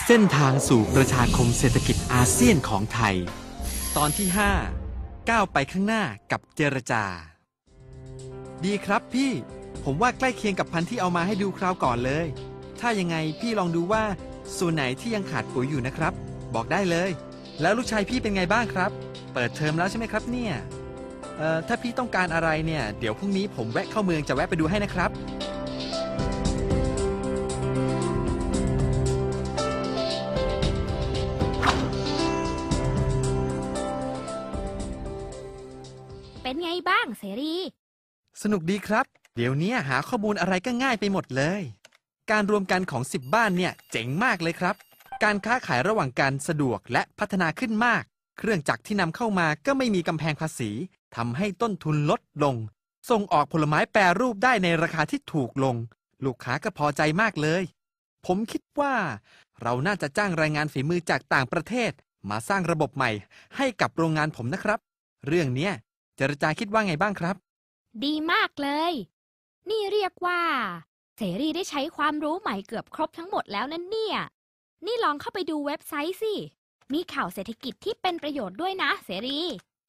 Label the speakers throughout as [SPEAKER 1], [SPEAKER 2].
[SPEAKER 1] เส้นทางสู่ประชาคมเศรษฐกิจอาเซียนของไทยตอนที่5ก้าวไปข้างหน้ากับเจรจาดีครับพี่ผมว่าใกล้เคียงกับพันธุ์ที่เอามาให้ดูคราวก่อนเลยถ้ายังไงพี่ลองดูว่าส่วนไหนที่ยังขาดปุ๋ยอยู่นะครับบอกได้เลยแล้วลูกชายพี่เป็นไงบ้างครับเปิดเทอมแล้วใช่ไหมครับเนี่ยถ้าพี่ต้องการอะไรเนี่ยเดี๋ยวพรุ่งนี้ผมแวะเข้าเมืองจะแวะไปดูให้นะครับ
[SPEAKER 2] เป็นไงบ้างเสรี
[SPEAKER 1] สนุกดีครับเดี๋ยวนี้หาข้อมูลอะไรก็ง่ายไปหมดเลยการรวมกันของ10บ้านเนี่ยเจ๋งมากเลยครับการค้าขายระหว่างกันสะดวกและพัฒนาขึ้นมากเครื่องจักรที่นำเข้ามาก็ไม่มีกำแพงภาษีทำให้ต้นทุนลดลงส่งออกผลไม้แปรรูปได้ในราคาที่ถูกลงลูกค้าก็พอใจมากเลยผมคิดว่าเราน่าจะจ้างแรงงานฝีมือจากต่างประเทศมาสร้างระบบใหม่ให้กับโรงงานผมนะครับเรื่องนี้เจรจาคิดว่าไงบ้างครับ
[SPEAKER 2] ดีมากเลยนี่เรียกว่าเสรีได้ใช้ความรู้ใหม่เกือบครบทั้งหมดแล้วนั่นเนี่ยนี่ลองเข้าไปดูเว็บไซต์สิมีข่าวเศรษฐกิจที่เป็นประโยชน์ด้วยนะเสรี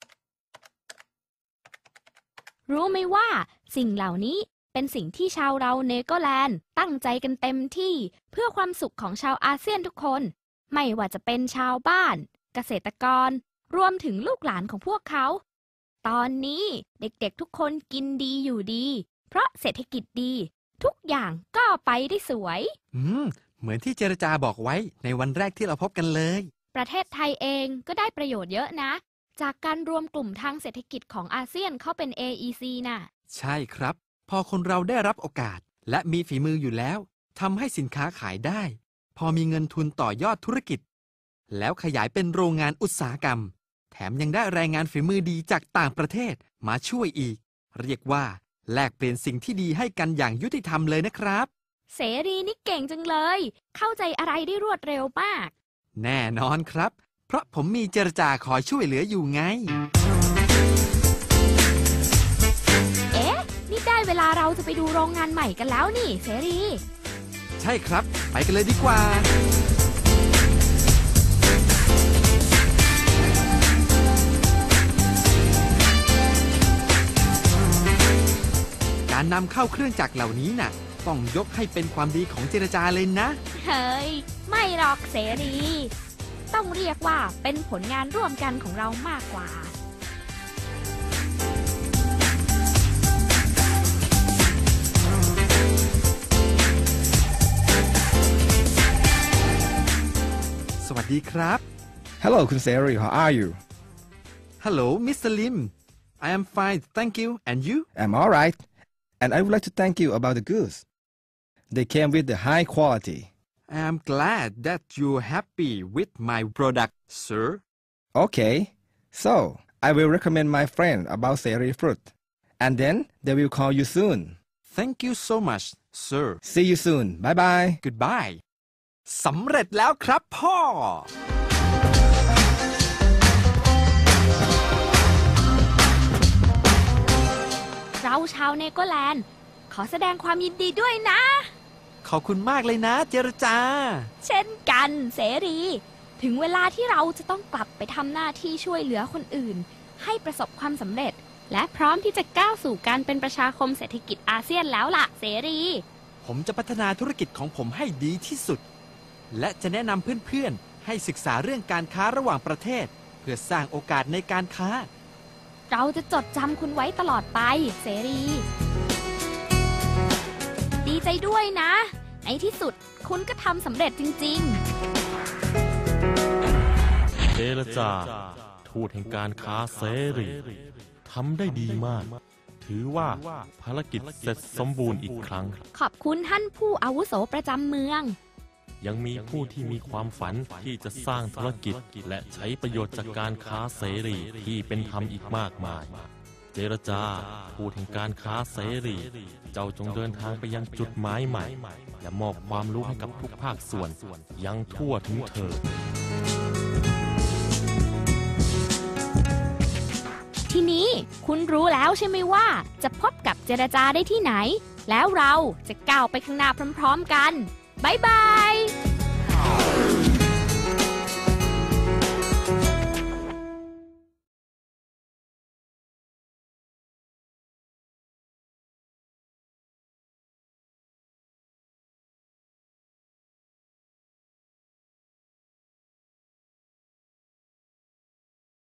[SPEAKER 2] รู้ไหมว่าสิ่งเหล่านี้เป็นสิ่งที่ชาวเราเนเธอร์แลนด์ตั้งใจกันเต็มที่เพื่อความสุขของชาวอาเซียนทุกคนไม่ว่าจะเป็นชาวบ้านเกษตรกรรวมถึงลูกหลานของพวกเขาตอนนี้เด็กๆทุกคนกินดีอยู่ดีเพราะเศรษฐกิจดีทุกอย่างก็ไปได้สวย
[SPEAKER 1] เหมือนที่เจรจาบอกไว้ในวันแรกที่เราพบกันเลย
[SPEAKER 2] ประเทศไทยเองก็ได้ประโยชน์เยอะนะจากการรวมกลุ่มทางเศรษฐกิจของอาเซียนเข้าเป็น AEC น่ะ
[SPEAKER 1] ใช่ครับพอคนเราได้รับโอกาสและมีฝีมืออยู่แล้วทำให้สินค้าขายได้พอมีเงินทุนต่อยอดธุรกิจแล้วขยายเป็นโรงงานอุตสาหกรรมแถมยังได้แรงงานฝีมือดีจากต่างประเทศมาช่วยอีกเรียกว่าแลกเปลี่ยนสิ่งที่ดีให้กันอย่างยุติธรรมเลยนะครับ
[SPEAKER 2] เสรีนี่เก่งจังเลยเข้าใจอะไรได้รวดเร็วมาก
[SPEAKER 1] แน่นอนครับเพราะผมมีเจรจาคอยช่วยเหลืออยู่ไง
[SPEAKER 2] เอ๊ะนี่ได้เวลาเราจะไปดูโรงงานใหม่กันแล้วนี่เสรี
[SPEAKER 1] ใช่ครับไปกันเลยดีกว่าการนำเข้าเครื่องจักรเหล่านี้น่ะต้องยกให้เป็นความดีของเจรจาเลยนะ
[SPEAKER 2] เฮ้ยไม่หรอกเสรีต้องเรียกว่าเป็นผลงานร่วมกันของเรามากกว่า
[SPEAKER 1] สวัสดีครับ
[SPEAKER 3] Hello คุณเสรี How are you
[SPEAKER 1] Hello Mr. Lim I am fine thank you and you
[SPEAKER 3] I'm all right and I would like to thank you about the goods they came with the high quality
[SPEAKER 1] I am glad that you're happy with my product sir
[SPEAKER 3] Okay so I will recommend my friend about Seri fruit and then they will call you soon
[SPEAKER 1] Thank you so much sir
[SPEAKER 3] See you soon bye bye
[SPEAKER 1] Goodbye สำเร็จแล้วครับพ่อ
[SPEAKER 2] เราชาวเนเธอร์แลนด์ขอแสดงความยินดีด้วยนะ
[SPEAKER 1] ขอบคุณมากเลยนะเจรจา
[SPEAKER 2] เช่นกันเสรีถึงเวลาที่เราจะต้องกลับไปทำหน้าที่ช่วยเหลือคนอื่นให้ประสบความสำเร็จและพร้อมที่จะก้าวสู่การเป็นประชาคมเศรษฐกิจอาเซียนแล้วล่ะเสรี
[SPEAKER 1] ผมจะพัฒนาธุรกิจของผมให้ดีที่สุดและจะแนะนำเพื่อนๆให้ศึกษาเรื่องการค้าระหว่างประเทศเพื่อสร้างโอกาสในการค้า
[SPEAKER 2] เราจะจดจำคุณไว้ตลอดไปเสรีดีใจด้วยนะในที่สุดคุณก็ทำสำเร็จจริง
[SPEAKER 4] ๆเจรจาทูตแห่งการค้าเสรีทำได้ดีมากถือว่าภารกิจเสร็จสมบูรณ์อีกครั้ง
[SPEAKER 2] ขอบคุณท่านผู้อาวุโสประจำเมือง
[SPEAKER 4] ยังมีผู้ที่มีความฝันที่จะสร้างธุรกิจและใช้ประโยชน์จากการค้าเสรีที่เป็นธรรมอีกมากมายเจรจาทูตแห่งการค้าเสรีเจ้าจงเดินทางไปยังจุดหมายใหม่และมอบความรู้ให้กับทุกภาคส่วนยังทั่วถึงเธอ
[SPEAKER 2] ทีนี้คุณรู้แล้วใช่ไหมว่าจะพบกับเจรจาได้ที่ไหนแล้วเราจะก้าวไปข้างหน้าพร้อมๆกันบ๊ายบาย